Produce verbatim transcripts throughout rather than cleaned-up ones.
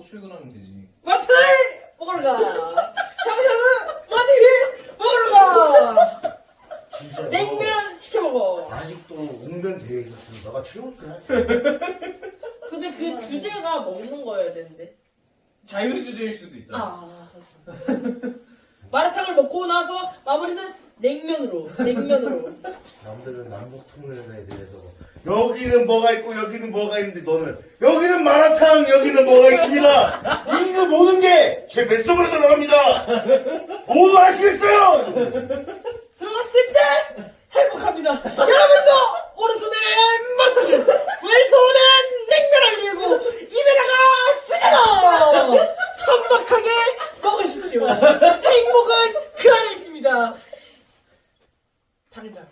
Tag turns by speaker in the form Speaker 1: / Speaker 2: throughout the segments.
Speaker 1: 출근하면 되지.
Speaker 2: 마라탕을 먹으러 가. 샤브샤브 마늘을 먹으러 가.
Speaker 3: 진짜
Speaker 2: 냉면 시켜 먹어.
Speaker 3: 아직도 웅변 대회 있었으면 너가 최우수야.
Speaker 2: 근데 그 주제가 먹는 거여야 되는데.
Speaker 1: 자유주제일 수도 있잖아.
Speaker 2: 아, 마라탕을 먹고 나서 마무리는 냉면으로. 냉면으로.
Speaker 3: 남들은 남북 통일에 대해서 여기는 뭐가 있고 여기는 뭐가 있는데 너는 여기는 마라탕 여기는 뭐가 있습니다. 이 모든 게 제 뱃속으로 들어갑니다. 모두 아시겠어요?
Speaker 2: 들어갔을 때 행복합니다. 여러분도 오른손에 마라탕을 왼손엔 냉면을 들고 입에다가 쓰잖아. 천박하게 먹으십시오. 행복은 그 안에 있습니다. 당장.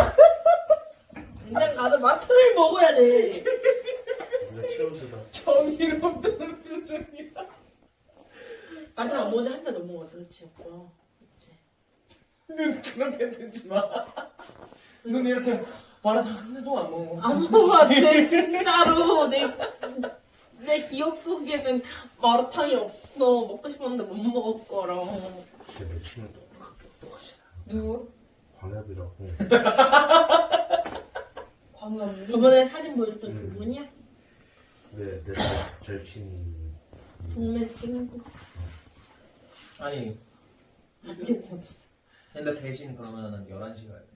Speaker 2: 당장 가서 마라탕을 먹어야 돼.
Speaker 3: 네가 최우수다.
Speaker 1: 정의롭다는 표정이야.
Speaker 2: 마라탕 안 먹은 지 한 달 넘어가서 그렇지. 오빠.
Speaker 1: 눈 그렇게 뜨지 마. 눈 이렇게 마라탕 한 대도 안 먹어.
Speaker 2: 안 먹었대 진짜로. 내, 내 기억 속에는 마라탕이 없어. 먹고 싶었는데 못 먹을 거랑.
Speaker 3: 제 매칭은 똑같게 똑같이.
Speaker 2: 누구?
Speaker 3: 광엽이라고.
Speaker 2: 광남. 저번에 사진 보여줬던
Speaker 3: 음.
Speaker 2: 그분이야?
Speaker 3: 네, 내 절친.
Speaker 2: 동네 친구.
Speaker 1: 아니,
Speaker 2: 이게 없어.
Speaker 1: 근데 대신 그러면 난 열한 시 가야 돼.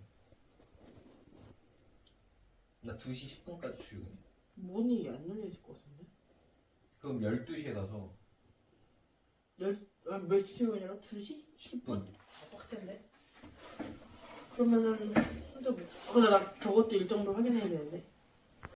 Speaker 1: 나 두 시 십 분까지 출근해.
Speaker 2: 문이 안 열려질 것 같은데?
Speaker 1: 그럼 열두 시에 가서
Speaker 2: 열, 아, 몇 시 출근이라? 두 시?
Speaker 1: 십 분.
Speaker 2: 아, 빡센데? 그러면은, 혼자 뭐. 아, 근데 나 저것도 일정도 확인해야 되는데.